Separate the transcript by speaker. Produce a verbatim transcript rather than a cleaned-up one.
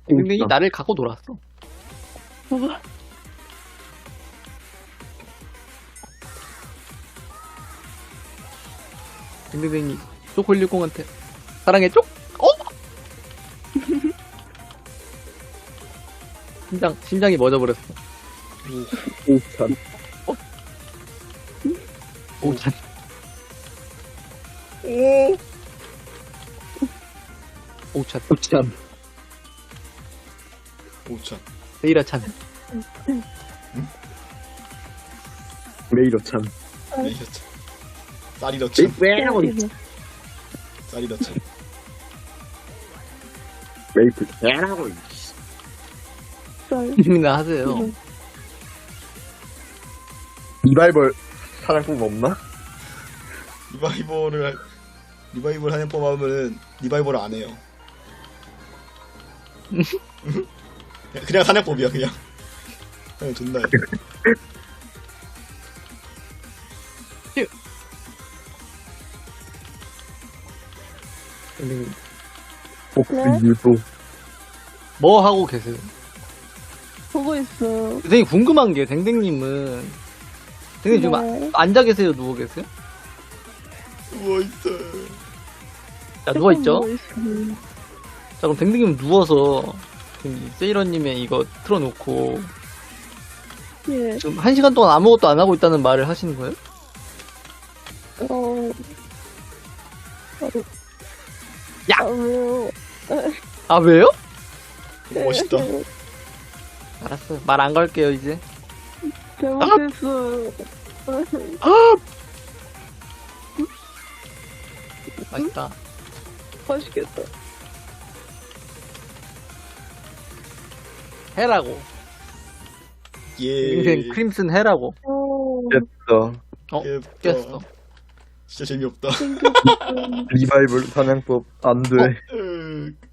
Speaker 1: 댕댕이 나를 갖고 놀았어.
Speaker 2: 뭐가?
Speaker 1: 댕댕이 쪼콜리공한테 사랑해 쪽? 어? 심장 심장이 멎어버렸어.
Speaker 3: 오찬.
Speaker 1: 오찬.
Speaker 3: 오.
Speaker 1: 오찬.
Speaker 3: 오찬.
Speaker 4: 오천.
Speaker 1: 세이라찬.
Speaker 3: 메이로찬.
Speaker 4: 메이저천. 쌀이더천.
Speaker 3: 메이로찬.
Speaker 4: 쌀이더천.
Speaker 3: 메이플. 에라고.
Speaker 2: 쌀.
Speaker 1: 님이나 하세요.
Speaker 3: 리바이벌 사냥법 없나?
Speaker 4: 리바이벌을 할- 리바이벌 하는 법 하면은 리바이벌을 안 해요. 그냥 사냥법이야 그냥. 그냥 존나 해.
Speaker 1: 댕댕이
Speaker 3: 복수
Speaker 2: 네?
Speaker 3: 유도.
Speaker 1: 뭐 하고 계세요?
Speaker 2: 보고 있어.
Speaker 1: 댕댕이 궁금한 게 댕댕님은 댕댕이 지금
Speaker 2: 네.
Speaker 1: 아- 앉아 계세요? 누워 계세요?
Speaker 4: 누워있어.
Speaker 1: 자 누워 있죠?
Speaker 2: 누워 있어.
Speaker 1: 자 그럼 댕댕이는 누워서 지금 세이러님의 이거 틀어놓고
Speaker 2: 예.
Speaker 1: 지금 한 시간 동안 아무것도 안 하고 있다는 말을 하시는 거예요?
Speaker 2: 어.
Speaker 1: 야!
Speaker 2: 아, 왜요?
Speaker 1: 아 왜요?
Speaker 4: 멋있다.
Speaker 1: 알았어요. 말 안 걸게요 이제.
Speaker 2: 잘못했어.
Speaker 1: 맛있다.
Speaker 2: 맛있겠다.
Speaker 1: 해라고.
Speaker 4: 예.
Speaker 1: 인생 크림슨 해라고.
Speaker 2: 어.
Speaker 3: 됐어.
Speaker 1: 어
Speaker 4: 예쁘다.
Speaker 1: 깼어.
Speaker 4: 진짜 재미없다.
Speaker 2: 생겼어.
Speaker 3: 리바이벌 사냥법 안 돼.
Speaker 4: 으,